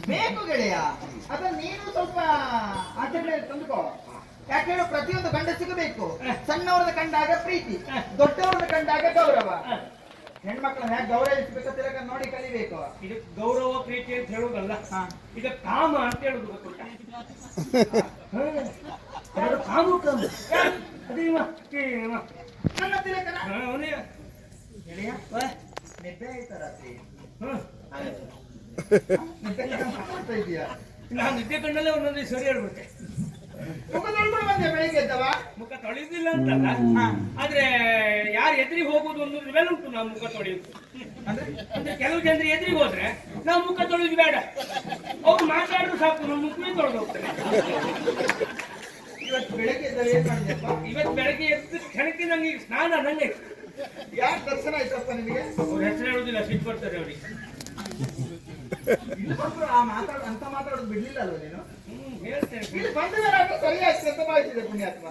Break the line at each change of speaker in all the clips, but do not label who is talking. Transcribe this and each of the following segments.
ಬೇಕು ಗೆಳೆಯ. ಅದನ್ನ ನೀನು ಸ್ವಲ್ಪ ಆಚೆ ತಂದುಕೋ. ಯಾಕೆ ಹೇಳು, ಪ್ರತಿಯೊಂದು ಗಂಡಸಿಗೂ ಬೇಕು. ಸಣ್ಣವ್ರನ್ನ ಕಂಡಾಗ ಪ್ರೀತಿ, ದೊಡ್ಡವ್ರನ್ನ ಕಂಡಾಗ ಗೌರವ. ಹೆಣ್ಮಕ್ಳನ್ನ ಹೇಗೆ ಗೌರವಿಸಬೇಕು ತಿರಗ ನೋಡಿ ಕಲಿಬೇಕು.
ಇದು ಗೌರವ ಪ್ರೀತಿ ಅಂತ ಹೇಳುದಲ್ಲ, ಈಗ ಕಾಮ ಅಂತ ಹೇಳುದು ಗೊತ್ತುಂಟ. ಕಾಮ ಕಾಮ ಅದೇ
ನನ್ನ ತಿಲಕನ
ಅವನೇ
ಗೆಳೆಯ ನಿದ್ದೆ ಆಯ್ತಾ ರಾತ್ರಿ? ಮಾಡ್ತಾ ಇದೀಯಾ?
ನಾನು ನಿದ್ದೆ ಕಣ್ಣಲ್ಲೇ ಒಂದೊಂದು ಸರಿ ಹೇಳ್ಬಿಟ್ಟೆ.
ಮುಖ ತೊಳ್ಕೊಂಡು ಬಂದೆ ಬೆಳಿಗ್ಗೆ ಎದ್ದವ.
ಮುಖ ತೊಳೆದಿಲ್ಲ ಅಂತಲ್ಲ, ಆದ್ರೆ ಯಾರು ಎದುರಿಗೆ ಹೋಗುದು ಅನ್ನೋದ್ರ ಮೇಲೆ ಉಂಟು ನಾವು ಮುಖ ತೊಳೆಯುದು. ಅಂದ್ರೆ ಕೆಲವು ಜನರು ಎದುರಿಗೆ ಹೋದ್ರೆ ನಾವು ಮುಖ ತೊಳೆಯುದು ಬೇಡ, ಅವ್ರು ಮಾತಾಡಿದ್ರು ಸಾಕು, ನಮ್ಮ ಮುಖವೇ ತೊಳೆದು ಹೋಗ್ತಾರೆ.
ಇವತ್ತು ಬೆಳಗ್ಗೆ ಎದ್ದವ ಏನ್ ಮಾಡಿದೆಪ್ಪ?
ಇವತ್ತು ಬೆಳಗ್ಗೆ ಎದ್ದು ಕ್ಷಣಕ್ಕೆ ನಂಗೆ ಈಗ ಸ್ನಾನ ನಂಗೆ
ಯಾಕೆ ದರ್ಶನ ಆಯ್ತಪ್ಪ ನಿಮಗೆ?
ಅವ್ರ ಹೆಸರು ಹೇಳುದಿಲ್ಲ, ಸಿಟ್ಟು ಬರ್ತಾರೆ ಅವ್ರಿಗೆ.
ಅಂತ ಮಾತಾಡೋದು ಬಿಡ್ಲಿಲ್ಲ ಅಲ್ವ ನೀನು?
ಹೇಳ್ತೇನೆ.
ಇಲ್ಲಿ ಬಂದ ಮೇಲೆ ಅದು ಸರಿ ಆಯ್ತು ಅಂತ ಭಾವಿಸಿದೆ ಪುಣ್ಯಾತ್ಮ.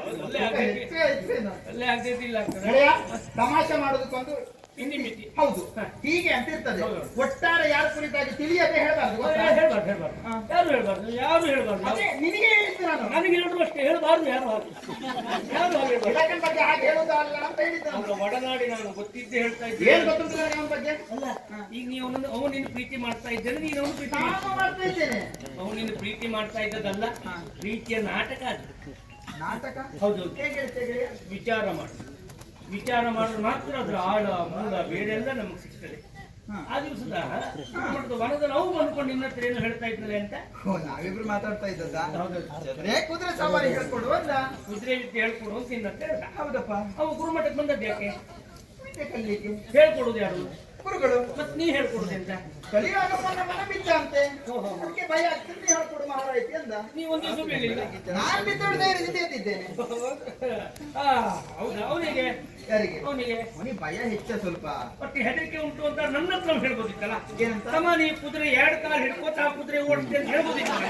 ಅಲ್ಲೇ ಆಗ್ತೈತಿಲ್ಲ
ತಮಾಷೆ ಮಾಡೋದಕ್ಕೊಂದು
ಹಿಂದಿ ಮಿತಿ.
ಹೌದು, ಹೀಗೆ ಅಂತ ಇರ್ತದೆ. ಒಟ್ಟಾರೆ ಯಾರ ಕುರಿತಾಗಿ ತಿಳಿಯದೆ ಹೇಳ್ಬಾರ್ದು.
ಹೇಳ್ಬಾರ್ದು ಯಾರು ಹೇಳ್ಬಾರ್ದು, ಯಾರು ಹೇಳ್ಬಾರ್ದು.
ನಿನಗೆ ಹೇಳಿದ್ದು ನಾನು.
ನನಗೆ ಹೇಳಿದ್ರು ಅಷ್ಟೇ, ಹೇಳ್ಬಾರ್ದು ಯಾರು
ಇಲಾಖೆ ಬಗ್ಗೆ ಹಾಗೆ ಹೇಳುವುದಲ್ಲ ಅಂತ ಹೇಳಿದ್ದ.
ಅವರ ಒಡನಾಡಿ ನಾನು ಗೊತ್ತಿದ್ದೆ ಹೇಳ್ತಾ ಇದ್ದೆ.
ಏನ್ ಗೊತ್ತುಂಟು ನನಗೆ ಅವನ ಬಗ್ಗೆ?
ಅಲ್ಲ, ಈಗ ನೀವು ಅವನು ನಿನ್ನ ಪ್ರೀತಿ ಮಾಡ್ತಾ ಇದ್ದೇನೆ, ನೀನು ಅವನು ಪ್ರೀತಿ
ಮಾಡ್ತಾ ಇದ್ದೇನೆ.
ಅವನು ನಿನ್ನ ಪ್ರೀತಿ ಮಾಡ್ತಾ ಇದ್ದದಲ್ಲ, ಪ್ರೀತಿಯ ನಾಟಕ ಅದು.
ನಾಟಕ?
ಹೌದು.
ಹೇಗೆ
ವಿಚಾರ ಮಾಡು, ವಿಚಾರ ಮಾಡಿದ್ರೆ ಮಾತ್ರ ಅದ್ರ ಆಳ ಮೂಲ ಬೇರೆಲ್ಲ ನಮಗೆ ಸಿಗ್ತದೆ. ಆ ದಿವಸದ ವನದ ನಾವು ಬಂದ್ಕೊಂಡು ನಿನ್ನ ಹತ್ರ ಏನು ಹೇಳ್ತಾ ಇದ್ದಲೆ ಅಂತ
ನಾವಿಬ್ರು ಮಾತಾಡ್ತಾ ಇದ್ದದ. ಕುದುರೆ ಸವಾರಿ ಹೇಳ್ಕೊಡು ಅಂದ.
ಕುದುರೆ ವಿದ್ಯೆ ಹೇಳ್ಕೊಡು ಅಂತ ನಿನ್ನ ಹತ್ರ ಹೇಳ್ದ.
ಹೌದಪ್ಪ.
ಅವು ಗುರುಮಠಕ್ಕೆ ಬಂದದ್ದು ಯಾಕೆ?
ಕಲಿಲಿಕ್ಕೆ.
ಹೇಳ್ಕೊಡುದು ಯಾರು?
ಗುರುಗಳು.
ಮತ್ ನೀ ಹೇಳ್ಕೊಡುದು ಅಂತ?
ಕಲಿಯುವಾಗ ಮನ ಬಿದ್ದ ಅಂತೆ, ಅದಕ್ಕೆ ಭಯ ಆಗ್ತದೆ, ಹೇಳ್ಕೊಡು ಮಹಾರಾಯ್ತಿ ಅಂದ.
ನೀವು ಒಂದು ದಿವಸ ಬೀಳಿಲ್ಲ.
ನಾನು ಬಿದ್ದೋಡು ಧೈರ್ಯದಿಂದ ಎದ್ದಿದ್ದೇನೆ.
ಹೌದಾ? ಅವನಿಗೆ
ಯಾರಿಗೆ?
ಅವನಿಗೆ
ಭಯ ಹೆಚ್ಚ ಸ್ವಲ್ಪ.
ಮತ್ತೆ ಹೆದರಿಕೆ ಉಂಟು ಅಂತ ನನ್ನ ಹತ್ರ ಹೇಳ್ಬೋದಿತ್ತಲ್ಲ.
ಏನಂತ?
ತಮ್ಮ ನೀ ಕುದುರೆ 2 ಕಾಲು ಹಿಡ್ಕೋತ ಆ ಕುದುರೆ ಓಡಿಸ್ತೆ ಅಂತ ಹೇಳ್ಬೋದಿತ್ತಲ್ಲ.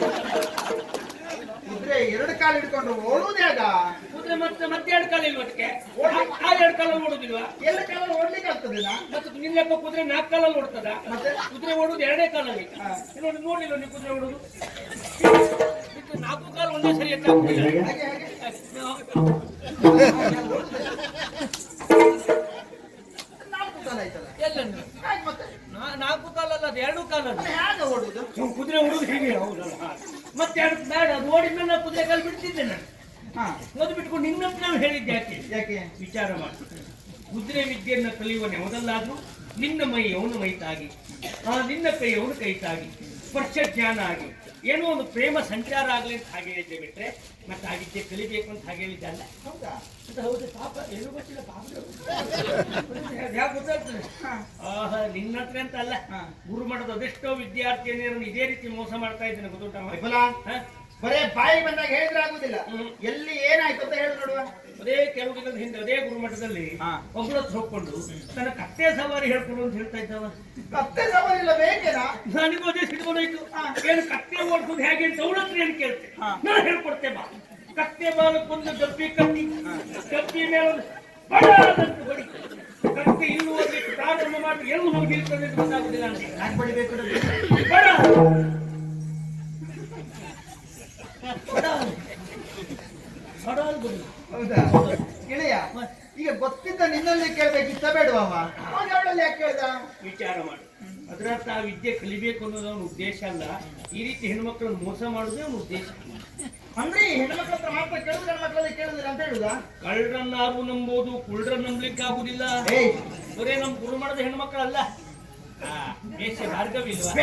ಕುದುರೆ 2 ಕಾಲು ಹಿಡ್ಕೊಂಡು ಓಡುವುದ್ಯಾಗ?
ಕುದುರೆ ಮತ್ತೆ 2 ಕಾಲು ಇಲ್ವ ಅದಕ್ಕೆ? ಆ 2 ಕಾಲಲ್ಲಿ ಓಡುದಿಲ್ವಾ?
2 ಕಾಲಲ್ಲಿ ಓಡ್ಲಿಕ್ಕೆ ಆಗ್ತದೆ.
ಮತ್ತೆ ನಿನ್ನೆಪ್ಪ ಕುದುರೆ 4 ಕಾಲಲ್ಲಿ ಓಡ್ತದ? ಮತ್ತೆ ಕುದುರೆ ಓಡುದು 2 ಕಾಲಲ್ಲಿ. ನೋಡಿಲ್ಲ ನೀವು ಕುದುರೆ ಓಡುದು? 4 ಕಾಲು ಒಂದೇ ಸರಿ ಎತ್ತಾಗುದಿಲ್ಲ. ಎಲ್ಲ 4 ಕಾಲಲ್ಲ, ಅದು 2 ಕಾಲಲ್ಲಿ.
ಹೇಗೆ ಓಡುದು?
ಕುದುರೆ ಓಡುದು ಹೀಗೆ. ಹೌದಲ್ಲ, ಮತ್ತೆ 2 ಬೇಡ, ಅದು ಓಡಿದ್ಮೇಲೆ ನಾನು ಕುದುರೆ ಕಾಲು ಬಿಡ್ತಿದ್ದೆ. ನಾನು ಓದಿ ಬಿಟ್ಕೊಂಡು ನಿನ್ನ ಹತ್ರ ನಾವು ಹೇಳಿದ್ದೆ ಯಾಕೆ?
ಯಾಕೆ?
ವಿಚಾರ ಮಾಡಿ. ಕುದುರೆ ವಿದ್ಯೆಯನ್ನು ಕಲಿಯುವನೆ ಮೊದಲಾದ್ರೂ ನಿನ್ನ ಮೈ ಅವನ ಮೈ ತಾಗಿ, ನಿನ್ನ ಕೈ ಅವನ ಕೈ ತಾಗಿ, ಸ್ಪರ್ಶ ಜ್ಞಾನ ಆಗಿ ಏನೋ ಒಂದು ಪ್ರೇಮ ಸಂಚಾರ ಆಗ್ಲಿ ಅಂತ ಹಾಗೆ ಹೇಳಿದ್ದೆ ಬಿಟ್ರೆ ಮತ್ತೆ ಆಗಿದ್ದೆ ಕಲಿಬೇಕು ಅಂತ ಹಾಗೆ ಹೇಳಿದ್ದೆ ಅಲ್ಲ.
ಹೌದಾ?
ಹೌದು. ಪಾಪ ಏನು ಗೊತ್ತಿಲ್ಲ, ಪಾಪ ಯಾಕೆ ಗೊತ್ತಾಗ್ತದೆ? ನಿನ್ನ ಹತ್ರ ಅಂತ ಅಲ್ಲ, ಗುರುಮಠದ ಅದೆಷ್ಟೋ ವಿದ್ಯಾರ್ಥಿನಿಯರನ್ನು ಇದೇ ರೀತಿ ಮೋಸ ಮಾಡ್ತಾ ಇದ್ದೇನೆ ಗೊತ್ತುಂಟ.
ಬರೇ ಬಾಯಿ ಬಂದಾಗ ಹೇಳಿದ್ರೆ ಆಗುದಿಲ್ಲ. ಎಲ್ಲಿ ಏನಾಯ್ತು ಅಂತ ಹೇಳಿ ನೋಡುವ.
ಅದೇ ಕೆಲವು ದಿನದ ಹಿಂದೆ ಅದೇ ಗುರುಮಠದಲ್ಲಿ ಒಬ್ಬಳತ್ತು ಹೋಗ್ಕೊಂಡು ತನ್ನ ಕತ್ತೆ ಸವಾರಿ ಹೇಳ್ಕೊಡು ಅಂತ ಹೇಳ್ತಾ ಇದ್ದವ.
ಕತ್ತೆ ಸವಾರಿ ಇಲ್ಲ ಬೇಕೇನಾ?
ನನಗೂ ಅದೇ ಸಿಡ್ಕೊಂಡೋಯ್ತು. ಏನು ಕತ್ತೆ ಓಡಿಸೋದು ಹೇಗೆ ಅಂತ ಅವಳ ಹತ್ರ ಏನು ಕೇಳ್ತೆ? ನಾನು ಹೇಳ್ಕೊಡ್ತೆ ಬಾ. ಕತ್ತೆ ಬಾಲಕ್ಕೊಂದು ಡಬ್ಬಿ ಕಟ್ಟಿ, ಡಬ್ಬಿ ಮೇಲೆ ಬಡಿ ಕತ್ತೆ ಇನ್ನು ಹೋಗ್ಲಿಕ್ಕೆ ಪ್ರಾರಂಭ ಮಾಡಿ ಎಲ್ಲಿ ಹೋಗಿ ನಿಲ್ತದೆ ಅಂತ ಗೊತ್ತಾಗುದಿಲ್ಲ.
ಯಾಕೆ ಬಡಿಬೇಕು? ಹೌದಾ ಗೆಳೆಯ? ಈಗ ಗೊತ್ತಿದ್ದ ನಿನ್ನಲ್ಲಿ ಕೇಳ್ಬೇಕಿತ್ತ ಬೇಡವಮ್ಮ? ಅವಳಲ್ಲಿ ಯಾಕೆ ಕೇಳ್ದ?
ವಿಚಾರ ಮಾಡಿ. ಅದರರ್ಥ ಆ ವಿದ್ಯೆ ಕಲಿಬೇಕು ಅನ್ನೋದು ಅವನ ಉದ್ದೇಶ ಅಲ್ಲ. ಈ ರೀತಿ ಹೆಣ್ಮಕ್ಳನ್ನು ಮೋಸ ಮಾಡುವುದೇ ಅವನ ಉದ್ದೇಶ.
ಅಂದ್ರೆ ಹೆಣ್ಮಕ್ಳ ಹತ್ರ ಮಾತ್ರ ಕೇಳುದು, ಹೆಣ್ಮಕ್ಳಲ್ಲಿ ಕೇಳುದಿಲ್ಲ ಅಂತ ಹೇಳುದ?
ಕಳ್ಳರನ್ನಾರು ನಂಬೋದು, ಕುಳ್ಳರನ್ನ ನಂಬಲಿಕ್ಕೆ ಆಗುದಿಲ್ಲ. ಬರೇ ನಮ್ ಗುರುಮಠದ ಹೆಣ್ಮಕ್ಳಲ್ಲ, ಭಾರ್ಗವಿಲ್ವಾ?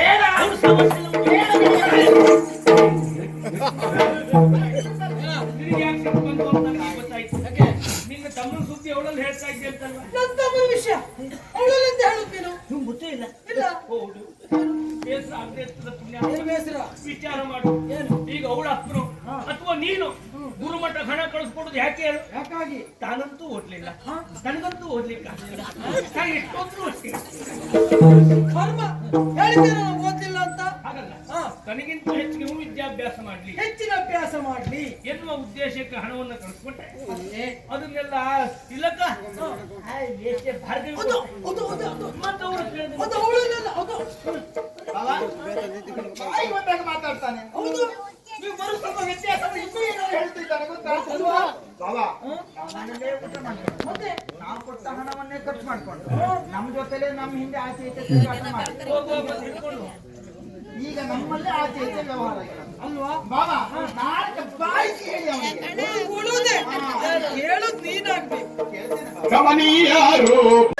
ನಿನ್ನ ತಮ್ಮನ ಸುದ್ದಿ ಅವಳಲ್ಲಿ ಹೇಳ್ತಾ ಇದ್ದೆ ಅಂತಲ್ವಾ?
ನನ್ನ ತಮ್ಮನ ವಿಷಯ ಅವಳಲ್ಲಿ ಅಂತ ಹೇಳುತ್ತೇನೋ
ನಿಮ್ಗೆ ಗೊತ್ತೇ ಇಲ್ಲ?
ಇಲ್ಲ.
ಹೌದು, ಬೇಸರ ಆಗದೆ ಇರ್ತದ ಪುಣ್ಯ.
ಬೇಸರ
ವಿಚಾರ ಮಾಡು. ಈಗ ಅವಳ ಅಪ್ಪನು ಅಥವಾ ನೀನು ಗುರುಮಠ ಹಣ ಕಳಿಸ್ಕೊಡುದು ಯಾಕೆ ಹೇಳು?
ಯಾಕಾಗಿ?
ತಾನಂತೂ ಓದ್ಲಿಲ್ಲ, ನನಗಂತೂ ಓದ್ಲಿಕ್ಕೆ ಆಗಲಿಲ್ಲ. ಎಷ್ಟೊಂದ್ರು ಅಷ್ಟೇ
ಕರ್ಮ ಹೇಳಿದ್ದೇನೆ ಓದ್ಲಿಲ್ಲ ಅಂತ.
ಹಾಗಲ್ಲ, ತನಗಿಂತ ಹೆಚ್ಚಿಗೆ ಇವ್ನು ವಿದ್ಯಾಭ್ಯಾಸ ಮಾಡ್ಲಿ,
ಹೆಚ್ಚಿನ ಅಭ್ಯಾಸ ಮಾಡ್ಲಿ
ಎನ್ನುವ ಉದ್ದೇಶಕ್ಕೆ ಹಣವನ್ನು ಕಳಿಸ್ಕೊಟ್ಟೆ.
ಅಲ್ಲೇ
ಅದನ್ನೆಲ್ಲ ತಿಲಕ ಎಷ್ಟೇ ಭಾರ್ಗವಿ
ಅದು ಅದು ಅದು ಅದು
ಮತ್ತೆ ಅವರು ಕೇಳಿದ್ರು,
ಅದು ಅವಳಲ್ಲ ಅದು
ಬಾಬಾ ಬಾಯಿಗೆ ಬಂದಾಗ ಮಾತಾಡ್ತಾನೆ.
ಹೌದು
ನೀವು ಬರೋ ಸ್ವಲ್ಪ ವ್ಯತ್ಯಾಸ ಇನ್ನೂ ಏನೋ ಹೇಳ್ತಿದ್ದಾನೆ ಗೊತ್ತಾ?
ಅಲ್ವಾ?
ಬಾಬಾ ನಮ್ಮನ್ನೇ ಊಟ ಮಾಡ್ಕೊಂಡು
ಮತ್ತೆ
ನಾವು ಕೊಟ್ಟ ಹಣವನ್ನೇ ಖರ್ಚು ಮಾಡ್ಕೊಂಡು ನಮ್ಮ ಜೊತೆಲೆ ನಮ್ಮ ಹಿಂದೆ ಆಚೆ ಈಚೆ ತಿರುಗಾಟ ಮಾಡಿ
ಹೋಗುವಾಗ ಹಿಡ್ಕೊಂಡು
ಈಗ ನಮ್ಮಲ್ಲೇ ಆಚೆ ಈಚೆ ವ್ಯವಹಾರ ಇಲ್ಲ
ಅಲ್ವಾ
ಬಾಬಾ ನಾಳೆ ಬಾಯಿಸಿ ಹೇಳಿ ಅವನಿಗೆ
ಉಳುದೆ ಹೇಳೋದು ನೀನಾಗ್ಬೇಕು
ಕೇಳ್ತೇನೆ ಬಾಬಾ.
ಕಮನೀಯ ರೂಪ